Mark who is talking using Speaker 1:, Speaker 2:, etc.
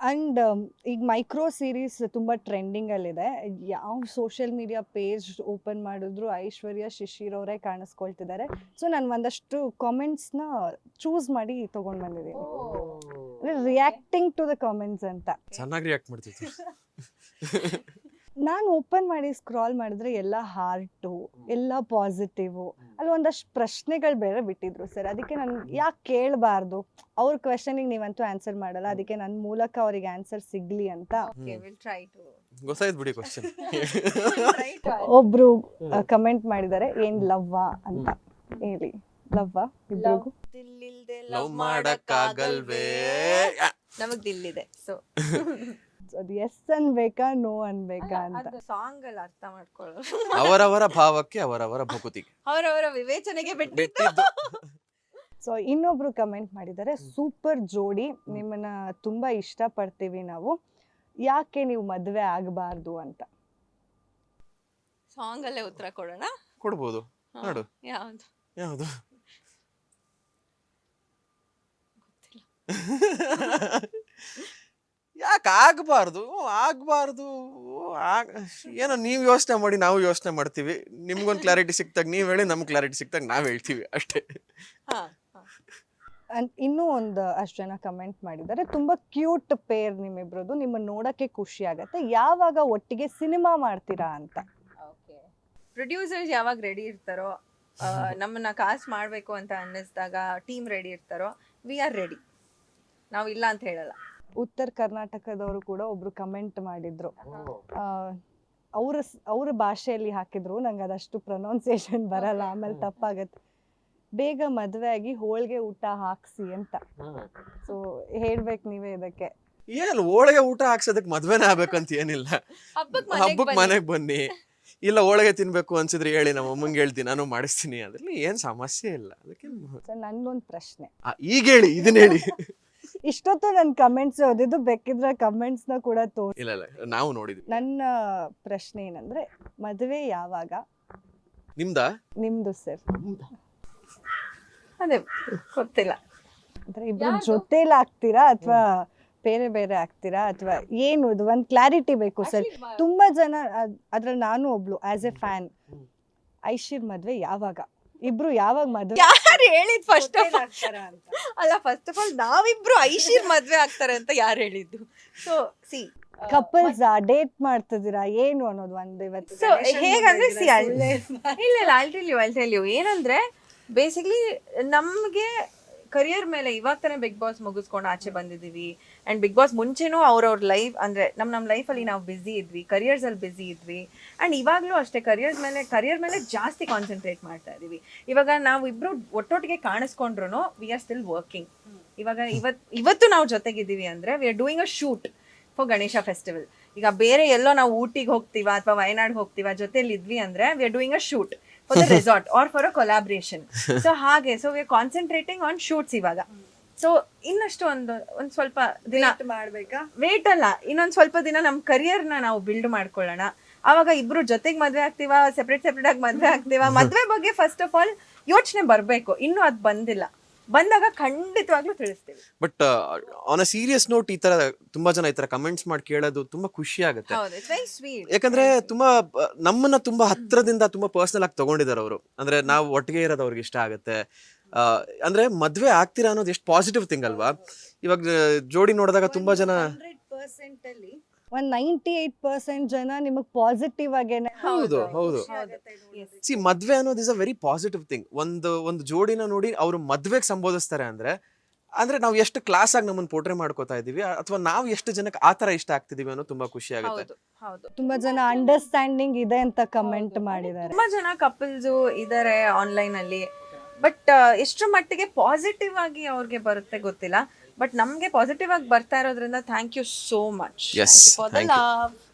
Speaker 1: And ಈಗ micro series ತುಂಬ ಟ್ರೆಂಡಿಂಗಲ್ಲಿದೆ. ಯಾವ ಸೋಷಿಯಲ್ ಮೀಡಿಯಾ ಪೇಜ್ ಓಪನ್ ಮಾಡಿದ್ರು ಐಶ್ವರ್ಯ ಶಿಶಿರ್ ಅವರೇ ಕಾಣಿಸ್ಕೊಳ್ತಿದ್ದಾರೆ. ಸೊ ನಾನು ಒಂದಷ್ಟು ಕಾಮೆಂಟ್ಸ್ನ ಚೂಸ್ ಮಾಡಿ ತೊಗೊಂಡು ಬಂದಿದ್ದೀನಿ. ರಿಯಾಕ್ಟಿಂಗ್ ಟು ದ ಕಾಮೆಂಟ್ಸ್ ಅಂತ.
Speaker 2: ಚೆನ್ನಾಗಿ ರಿಯಾಕ್ಟ್ ಮಾಡ್ತಿತ್ತು.
Speaker 1: ನಾನು ಓಪನ್ ಮಾಡಿ ಸ್ಕ್ರಾಲ್ ಮಾಡಿದ್ರೆ ಎಲ್ಲ ಹಾರ್ಟು, ಎಲ್ಲ ಪಾಸಿಟಿವು, ಅಲ್ಲಿ ಒಂದಷ್ಟು ಪ್ರಶ್ನೆಗಳು ಬೇರೆ ಬಿಟ್ಟಿದ್ರು ಸರ್. ಅದಕ್ಕೆ ನಾನು ಯಾಕೆ ಕೇಳಬಾರ್ದು, ಅವ್ರ ಕ್ವೆಶನಿಗೆ ನೀವಂತೂ ಆನ್ಸರ್ ಮಾಡಲ್ಲ, ಅದಕ್ಕೆ ನನ್ನ ಮೂಲಕ ಅವ್ರಿಗೆ ಆನ್ಸರ್ ಸಿಗ್ಲಿ ಅಂತ
Speaker 2: ಗೊತ್ತಾಯ್ತು ಬಿಡಿ ಕ್ವಶನ್.
Speaker 1: ಒಬ್ರು ಕಮೆಂಟ್ ಮಾಡಿದ್ದಾರೆ, ಏನ್ ಲವ್ವಾ ಅಂತ ಹೇಳಿ. ಲವ್ವಾ ಇಬ್ರಿಗೂ?
Speaker 2: ಲವ್ ಮಾಡಕ್ಕಾಗಲ್ವೇ?
Speaker 3: ನಮಗ್ ದಿಲ್ಲಿದೆ. ಸೊ
Speaker 1: ಅದು ಎಸ್ ಅನ್ಬೇಕಾ ನೋ ಅನ್ಬೇಕಾ ಅಂತ
Speaker 3: ಸಾಂಗ್ ಅಲ್ಲಿ ಅರ್ಥ ಮಾಡ್ಕೊಳ್ಳೋ
Speaker 2: ಅವರವರ ಭಾವಕ್ಕೆ ಅವರವರ ಭಕುತಿಗೆ
Speaker 3: ಅವರವರ ವಿವೇಚನೆಗೆ
Speaker 2: ಬಿಟ್ಟಿದ್ದು.
Speaker 1: ಸೊ ಇನ್ನೊಬ್ರು ಕಮೆಂಟ್ ಮಾಡಿದ್ದಾರೆ, ಸೂಪರ್ ಜೋಡಿ, ನಿಮ್ಮನ್ನ ತುಂಬಾ ಇಷ್ಟಪಡ್ತೀವಿ ನಾವು, ಯಾಕೆ ನೀವು ಮದುವೆ ಆಗಬಾರ್ದು ಅಂತ.
Speaker 3: ಸಾಂಗ್ ಅಲ್ಲೇ ಉತ್ತರ ಕೊಡೋಣ.
Speaker 2: ಕೊಡ್ಬೋದು, ನೋಡು.
Speaker 3: ಯಾವ್ದು
Speaker 2: ಯಾವುದು? ಯಾಕೆ ಆಗ್ಬಾರ್ದು? ಏನೋ ನೀವು ಯೋಚನೆ ಮಾಡಿ, ನಾವು ಯೋಚನೆ ಮಾಡ್ತೀವಿ. ನಿಮ್ಗೊಂದು ಕ್ಲಾರಿಟಿ ಸಿಕ್ತಾಗ ನೀವು ಹೇಳಿ, ನಮ್ಗೆ ಕ್ಲಾರಿಟಿ ಸಿಕ್ತಾಗ ನಾವು ಹೇಳ್ತೀವಿ ಅಷ್ಟೇ.
Speaker 1: ಇನ್ನೂ ಒಂದು ಅಷ್ಟು ಜನ ಕಮೆಂಟ್ ಮಾಡಿದ್ದಾರೆ, ತುಂಬಾ ಕ್ಯೂಟ್ ಪೇರ್ ನಿಮ್ಮಿಬ್ರದ್ದು, ನಿಮ್ಮನ್ನ ನೋಡಕ್ಕೆ ಖುಷಿ ಆಗತ್ತೆ, ಯಾವಾಗ ಒಟ್ಟಿಗೆ ಸಿನಿಮಾ ಮಾಡ್ತೀರಾ ಅಂತ.
Speaker 3: ಪ್ರೊಡ್ಯೂಸರ್ಸ್ ಯಾವಾಗ ರೆಡಿ ಇರ್ತಾರೋ, ನಮ್ಮನ್ನ ಕಾಸ್ಟ್ ಮಾಡ್ಬೇಕು ಅಂತ ಅನ್ನಿಸ್ದಾಗ ಟೀಮ್ ರೆಡಿ ಇರ್ತಾರೋ, ವಿ ಆರ್ ರೆಡಿ. ನಾವು ಇಲ್ಲ ಅಂತ ಹೇಳಲ್ಲ.
Speaker 1: ಉತ್ತರ ಕರ್ನಾಟಕದವರು ಕೂಡ ಒಬ್ರು ಕಮೆಂಟ್ ಮಾಡಿದ್ರು, ಅವ್ರ ಭಾಷೆಯಲ್ಲಿ ಹಾಕಿದ್ರು, ನಂಗೆ ಅದಷ್ಟು ಪ್ರೊನೌನ್ಸಿಯೇಷನ್ ಬರಲ್ಲ, ಆಮೇಲೆ ತಪ್ಪಾಗತ್ತೆ, ಬೇಗ ಮದುವೆ ಆಗಿ ಹೋಳಿಗೆ ಊಟ ಹಾಕ್ಸಿ ಅಂತ. ಸೊ ಹೇಳ್ಬೇಕು ನೀವೇ ಇದಕ್ಕೆ.
Speaker 2: ಏನಿಲ್ಲ, ಹೋಳಿಗೆ ಊಟ ಹಾಕ್ಸೋದಕ್ಕೆ ಮದ್ವೆನೇ ಆಗ್ಬೇಕಂತ ಏನಿಲ್ಲ. ಹಬ್ಬಕ್ಕೆ ಮನೆಗೆ ಬನ್ನಿ, ಇಲ್ಲ ಹೋಳಿಗೆ ತಿನ್ಬೇಕು ಅನ್ಸಿದ್ರೆ ಹೇಳಿ, ನಮ್ಮ ಅಮ್ಮಂಗೆ ಹೇಳ್ತೀನಿ, ನಾನು ಮಾಡಿಸ್ತೀನಿ, ಅದ್ರಲ್ಲಿ ಏನ್ ಸಮಸ್ಯೆ ಇಲ್ಲ. ಅದಕ್ಕೆ
Speaker 1: ನನ್ಗೊಂದು ಪ್ರಶ್ನೆ,
Speaker 2: ಈಗ ಹೇಳಿ, ಇದನ್ನ ಹೇಳಿ.
Speaker 1: ಇಷ್ಟೊತ್ತು ನನ್ನ ಕಮೆಂಟ್ಸ್ ಓದಿದ್ದು, ಬೇಕಿದ್ರೆ ಕಮೆಂಟ್ಸ್ ನ ಕೂಡ ತೋರಿಸಿ.
Speaker 2: ಇಲ್ಲ ನಾವು ನೋಡಿದ್ವಿ.
Speaker 1: ನನ್ನ ಪ್ರಶ್ನೆ ಏನಂದ್ರೆ, ಮದುವೆ ಯಾವಾಗ?
Speaker 2: ನಿಮ್ದು
Speaker 1: ಸರ್.
Speaker 3: ಅದೇ ಗೊತ್ತಿಲ್ಲ.
Speaker 1: ಅಂದ್ರೆ ಇಬ್ರು ಜೊತೆಲಿ ಆಗ್ತೀರಾ ಅಥವಾ ಬೇರೆ ಬೇರೆ ಆಗ್ತೀರಾ, ಅಥವಾ ಏನು? ಇದು ಒಂದು ಕ್ಲಾರಿಟಿ ಬೇಕು ಸರ್. ತುಂಬಾ ಜನ, ಅದ್ರಲ್ಲಿ ನಾನು ಒಬ್ಳು ಆಸ್ ಎ ಫ್ಯಾನ್, ಐಶಿರ್ ಮದ್ವೆ ಯಾವಾಗ, ಇಬ್ರು ಯಾವಾಗ ಮದ್ವೆ
Speaker 3: ಯಾರು ಹೇಳಿದ್? ಫಸ್ಟ್ ಆಫ್ ಆಲ್ ನಾವಿಬ್ರು ಐಶಿರ್ ಮದ್ವೆ ಆಗ್ತಾರೆ ಅಂತ ಯಾರು ಹೇಳಿದ್ದು? ಸೊ ಸಿ,
Speaker 1: ಕಪಲ್ಸ್ ಡೇಟ್ ಮಾಡ್ತಿದ್ದೀರಾ ಏನು ಅನ್ನೋದು ಒಂದು ಇವತ್ತು.
Speaker 3: ಸೊ ಹೇಗಂದ್ರೆ ಸಿ, ಇಲ್ಲ I'll tell you ಏನಂದ್ರೆ, ಬೇಸಿಕ್ಲಿ ನಮ್ಗೆ ಕರಿಯರ್ ಮೇಲೆ ಇವಾಗ ತಾನೇ ಬಿಗ್ ಬಾಸ್ ಮುಗಿಸ್ಕೊಂಡು ಆಚೆ ಬಂದಿದ್ದೀವಿ. ಅಂಡ್ ಬಿಗ್ ಬಾಸ್ ಮುಂಚೆನೂ ಅವ್ರವ್ರ ಲೈಫ್ ಅಂದ್ರೆ ನಮ್ಮ ಲೈಫಲ್ಲಿ ನಾವು ಬ್ಯುಸಿ ಇದ್ವಿ, ಕರಿಯರ್ಸ್ ಅಲ್ಲಿ ಬ್ಯುಸಿ ಇದ್ವಿ. ಅಂಡ್ ಇವಾಗಲೂ ಅಷ್ಟೇ ಕರಿಯರ್ ಮೇಲೆ ಜಾಸ್ತಿ ಕಾನ್ಸಂಟ್ರೇಟ್ ಮಾಡ್ತಾ ಇದೀವಿ. ಇವಾಗ ನಾವು ಇಬ್ರು ಒಟ್ಟೊಟ್ಟಿಗೆ ಕಾಣಿಸ್ಕೊಂಡ್ರು ವಿ ಆರ್ ಸ್ಟಿಲ್ ವರ್ಕಿಂಗ್. ಇವಾಗ ಇವತ್ತು ನಾವು ಜೊತೆಗಿದ್ದೀವಿ ಅಂದ್ರೆ we are doing a shoot for Ganesha festival. ಈಗ ಬೇರೆ ಎಲ್ಲೋ ನಾವು ಊಟಿಗೆ ಹೋಗ್ತೀವಾ ಅಥವಾ ವಯನಾಡ್ ಹೋಗ್ತೀವಾ, ಜೊತೆಲಿ ಇದ್ವಿ ಅಂದ್ರೆ we are doing a shoot for the resort or for a collaboration. So ಹಾಗೆ, so we are concentrating on shoots ಇವಾಗ. ಸೊ ಇನ್ನಷ್ಟು ಒಂದು ಸ್ವಲ್ಪ ದಿನ
Speaker 1: ಮಾಡ್ಬೇಕಾ,
Speaker 3: ವೇಟ್ ಅಲ್ಲ, ಇನ್ನೊಂದು ಸ್ವಲ್ಪ ದಿನ ನಮ್ಮ ಕರಿಯರ್ನ ನಾವು ಬಿಲ್ಡ್ ಮಾಡ್ಕೊಳ್ಳೋಣ. ಆವಾಗ ಇಬ್ರು ಜೊತೆಗೆ ಮದ್ವೆ ಆಗ್ತೀವಾ, ಸೆಪ್ರೇಟ್ ಆಗಿ ಮದ್ವೆ ಆಗ್ತೀವಾ, ಮದ್ವೆ ಬಗ್ಗೆ ಫಸ್ಟ್ ಆಫ್ ಆಲ್ ಯೋಚನೆ ಬರ್ಬೇಕು. ಇನ್ನೂ ಅದು ಬಂದಿಲ್ಲ, ಬಂದಾಗ ಖಂಡಿತವಾಗ್ಲೂ ತಿಳಿಸ್ತೀವಿ.
Speaker 2: But on a serious note, ಈ ತರ ತುಂಬಾ ಜನ ಈ ತರ ಕಮೆಂಟ್ಸ್ ಮಾಡಿ ಕೇಳೋದು ತುಂಬಾ ಖುಷಿ ಆಗುತ್ತೆ. ಯಾಕಂದ್ರೆ ತುಂಬಾ ನಮ್ಮನ್ನ ತುಂಬಾ ಹತ್ರದಿಂದ ತುಂಬಾ ಪರ್ಸನಲ್ ಆಗಿ ತಗೊಂಡಿದ್ದಾರೆ ಅವರು. ಅಂದ್ರೆ ನಾವು ಒಟ್ಟಿಗೆ ಇರೋದು ಅವ್ರಿಗೆ ಇಷ್ಟ ಆಗುತ್ತೆ. ಅಂದ್ರೆ ಮದ್ವೆ ಆಗ್ತೀರಾ ಅನ್ನೋದು ಎಷ್ಟು ಪಾಸಿಟಿವ್ ಥಿಂಗ್ ಅಲ್ವಾ. ಇವಾಗ ಜೋಡಿ ನೋಡಿದಾಗ ತುಂಬಾ ಜನ
Speaker 1: 100% ಅಲ್ಲಿ 98% ಜನ ನಿಮಗ್ ಪಾಸಿಟಿವ್ ಆಗೇನೆ.
Speaker 2: ಹೌದು. ಸಿ, ಮದ್ವೆ ಅನ್ನೋದು is a very positive thing. ಒಂದು ಜೋಡಿನ ನೋಡಿ ಅವರು ಮದ್ವೆಗೆ ಸಂಬೋಧಿಸ್ತಾರೆ ಅಂದ್ರೆ ನಾವು ಎಷ್ಟು ಕ್ಲಾಸ್ ಆಗಿ ನಮ್ಮನ್ನ ಪೋಟ್ರೆ ಮಾಡ್ಕೋತಾ ಇದೀವಿ, ಅಥವಾ ನಾವು ಎಷ್ಟು ಜನಕ್ಕೆ ಆತರ ಇಷ್ಟ ಆಗ್ತಿದೀವಿ ಅನ್ನೋ ತುಂಬಾ ಖುಷಿ ಆಗುತ್ತೆ.
Speaker 1: ತುಂಬಾ ಜನ ಅಂಡರ್ಸ್ಟ್ಯಾಂಡಿಂಗ್ ಇದೆ ಅಂತ ಕಮೆಂಟ್ ಮಾಡಿದ್ದಾರೆ.
Speaker 3: ತುಂಬಾ ಜನ ಕಪಲ್ಸ್ ಇದಾರೆ ಆನ್ಲೈನ್ ಅಲ್ಲಿ, ಬಟ್ ಎಷ್ಟರ ಮಟ್ಟಿಗೆ ಪಾಸಿಟಿವ್ ಆಗಿ ಅವ್ರಿಗೆ ಬರುತ್ತೆ ಗೊತ್ತಿಲ್ಲ. ಬಟ್ ನಮ್ಗೆ ಪಾಸಿಟಿವ್ ಆಗಿ ಬರ್ತಾ ಇರೋದ್ರಿಂದ thank you so much for the love.